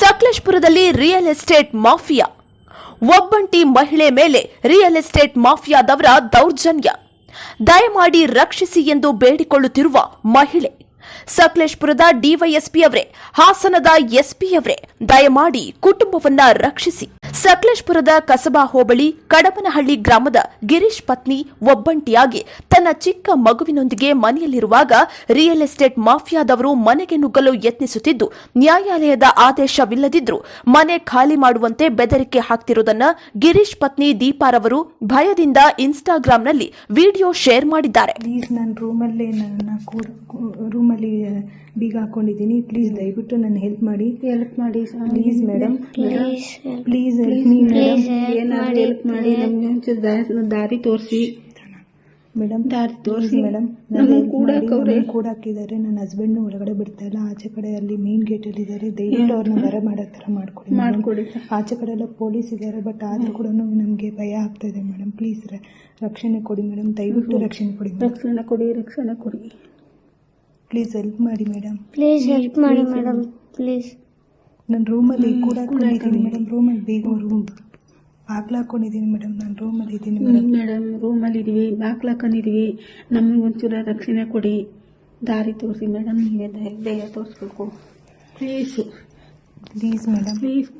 ಸಕಲೇಶಪುರದಲ್ಲಿ real estate mafia. ಒಬ್ಬಂಟಿ ಮಹಿಳೆ ಮೇಲೆ ರಿಯಲ್ ಎಸ್ಟೇಟ್ ಮಾಫಿಯಾದವರ ದೌರ್ಜನ್ಯ. ದಯಮಾಡಿ ರಕ್ಷಿಸಿ ಎಂದು ಬೇಡಿಕೊಳ್ಳುತ್ತಿರುವ ಮಹಿಳೆ. ಸಕಲೇಶಪುರದ ಡಿವೈಎಸ್ಪಿ ಅವರೇ, ಹಾಸನದ ಎಸ್ಪಿ ಅವರೇ, ದಯಮಾಡಿ ಕುಟುಂಬವನ್ನ ರಕ್ಷಿಸಿ. ಸಕಲೇಶಪುರದ ಕಸಬಾ ಹೋಬಳಿ ಕಡಬನಹಳ್ಳಿ ಗ್ರಾಮದ ಗಿರೀಶ್ ಪತ್ನಿ ಒಬ್ಬಂಟಿಯಾಗಿ ತನ್ನ ಚಿಕ್ಕ ಮಗುವಿನೊಂದಿಗೆ ಮನೆಯಲ್ಲಿರುವಾಗ ರಿಯಲ್ ಎಸ್ಟೇಟ್ ಮಾಫಿಯಾದವರು ಮನೆಗೆ ನುಗ್ಗಲು ಯತ್ನಿಸುತ್ತಿದ್ದು, ನ್ಯಾಯಾಲಯದ ಆದೇಶವಿಲ್ಲದಿದ್ದರೂ ಮನೆ ಖಾಲಿ ಮಾಡುವಂತೆ ಬೆದರಿಕೆ ಹಾಕ್ತಿರುವುದನ್ನು ಗಿರೀಶ್ ಪತ್ನಿ ದೀಪಾರವರು ಭಯದಿಂದ ಇನ್ಸ್ಟಾಗ್ರಾಂನಲ್ಲಿ ವಿಡಿಯೋ ಶೇರ್ ಮಾಡಿದ್ದಾರೆ. ಪ್ಲೀಸ್, ನಾನು ರೂಮಲ್ಲಿ ಬೀಗ ಹಾಕೊಂಡಿದ್ದೀನಿ. ಪ್ಲೀಸ್ ದಯವಿಟ್ಟು ನನ್ನ ಹೆಲ್ಪ್ ಮಾಡಿ ಪ್ಲೀಸ್ ಮೇಡಮ್. ಪ್ಲೀಸ್ ಏನಾದ್ರು ಹೆಲ್ಪ್ ಮಾಡಿ, ನಮ್ಗೆ ಒಂಚೂರು ದಾರಿ ತೋರಿಸಿ ಮೇಡಮ್. ಮೇಡಮ್, ಕೂಡ ಹಾಕಿದ್ದಾರೆ. ನನ್ನ ಹಸ್ಬೆಂಡ್ ಒಳಗಡೆ ಬಿಡ್ತಾ ಇಲ್ಲ. ಆಚೆ ಕಡೆ ಅಲ್ಲಿ ಮೇನ್ ಗೇಟ್ ಅಲ್ಲಿ ಇದ್ದಾರೆ. ದಯವಿಟ್ಟು ಅವ್ರನ್ನ ಹೊರ ಮಾಡೋ ತರ ಮಾಡ್ಕೊಡಿ. ಆಚೆ ಕಡೆ ಎಲ್ಲ ಪೊಲೀಸ್ ಇದ್ದಾರೆ, ಬಟ್ ಆದ್ರೂ ಕೂಡ ನಮ್ಗೆ ಭಯ ಆಗ್ತಾ ಇದೆ ಮೇಡಮ್. ಪ್ಲೀಸ್ ರಕ್ಷಣೆ ಕೊಡಿ ಮೇಡಮ್, ದಯವಿಟ್ಟು ರಕ್ಷಣೆ ಕೊಡಿ. ಪ್ಲೀಸ್ ಹೆಲ್ಪ್ ಮಾಡಿ ಮೇಡಮ್. ಪ್ಲೀಸ್ ನನ್ನ ರೂಮಲ್ಲಿ ಕೂಡ ಹಾಕೊಂಡಿದ್ದೀನಿ ಮೇಡಮ್. ರೂಮಲ್ಲಿ ಬೇಗ ಬಾಗ್ಲು ಹಾಕೊಂಡಿದ್ದೀನಿ ಮೇಡಮ್. ನಾನು ರೂಮಲ್ಲಿ ಇದ್ದೀನಿ ಮೇಡಮ್. ರೂಮಲ್ಲಿ ಇದೀವಿ, ಬಾಗ್ಲು ಹಾಕೊಂಡಿದೀವಿ. ನಮಗೆ ಒಂಚೂರು ರಕ್ಷಣೆ ಕೊಡಿ, ದಾರಿ ತೋರಿಸಿ ಮೇಡಮ್. ನೀವೇ ದಯ ತೋರಿಸ್ಬೇಕು ಪ್ಲೀಸ್ ಮೇಡಮ್. ಪ್ಲೀಸ್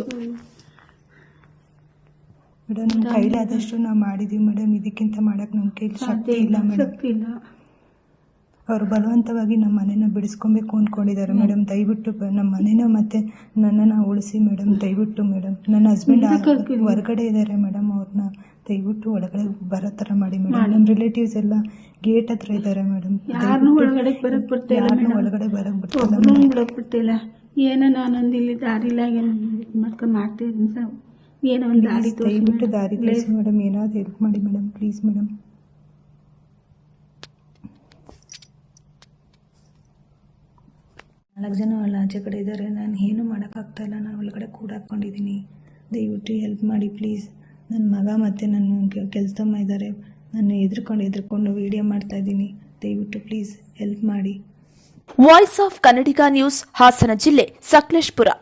ಮೇಡಮ್, ನಮ್ಮ ಕೈಲಾದಷ್ಟು ನಾವು ಮಾಡಿದೀವಿ ಮೇಡಮ್. ಇದಕ್ಕಿಂತ ಮಾಡಕ್ಕೆ ನಮ್ಮ ಕೈಲಿ ಶಕ್ತಿ ಇಲ್ಲ ಮೇಡಮ್. ಅವರು ಬಲವಂತವಾಗಿ ನಮ್ಮ ಮನೇನ ಬಿಡಿಸ್ಕೊಬೇಕು ಅಂದ್ಕೊಂಡಿದ್ದಾರೆ ಮೇಡಮ್. ದಯವಿಟ್ಟು ನಮ್ಮ ಮನೇನ ಮತ್ತೆ ನನ್ನನ್ನು ಉಳಿಸಿ ಮೇಡಮ್. ದಯವಿಟ್ಟು ಮೇಡಮ್. ನನ್ನ ಹಸ್ಬೆಂಡ್ ಹೊರಗಡೆ ಇದ್ದಾರೆ ಮೇಡಮ್. ಅವ್ರನ್ನ ದಯವಿಟ್ಟು ಒಳಗಡೆ ಬರೋ ಥರ ಮಾಡಿ ಮೇಡಮ್. ನಮ್ಮ ರಿಲೇಟಿವ್ಸ್ ಎಲ್ಲ ಗೇಟ್ ಹತ್ರ ಇದ್ದಾರೆ ಮೇಡಮ್. ಒಳಗಡೆ ಬರಕ್ ಬಿಡ್ತಿಲ್ಲ. ಏನೋ ನಾನೊಂದು ಇಲ್ಲಿ ದಾರಿಲ್ಲ ಮಾಡ್ಕೊಂಡು ಮಾಡ್ತಿದ್ದೀನಿ ಸರ್. ಏನೋ ಒಂದು ದಾರಿ ದಯವಿಟ್ಟು ದಾರಿ ತೋರಿಸಿ ಮೇಡಮ್. ಏನಾದ್ರು ಹೆಲ್ಪ್ ಮಾಡಿ ಮೇಡಮ್, ಪ್ಲೀಸ್ ಮೇಡಮ್. ನಾಲ್ಕು ಜನ ಅಲ್ಲಿ ಆಚೆ ಕಡೆ ಇದ್ದಾರೆ. ನಾನು ಏನೂ ಮಾಡೋಕ್ಕಾಗ್ತಾ ಇಲ್ಲ. ನಾನು ಒಳಗಡೆ ಕೂಡ ಹಾಕ್ಕೊಂಡಿದ್ದೀನಿ. ದಯವಿಟ್ಟು ಹೆಲ್ಪ್ ಮಾಡಿ ಪ್ಲೀಸ್. ನನ್ನ ಮಗ ಮತ್ತು ನನ್ನ ಕೆಲಸದಮ್ಮ ಇದ್ದಾರೆ. ನಾನು ಎದ್ರುಕೊಂಡು ವಿಡಿಯೋ ಮಾಡ್ತಾ ಇದ್ದೀನಿ. ದಯವಿಟ್ಟು ಪ್ಲೀಸ್ ಹೆಲ್ಪ್ ಮಾಡಿ. Voice of Kannadiga news, Hassan ಜಿಲ್ಲೆ, ಸಕಲೇಶಪುರ.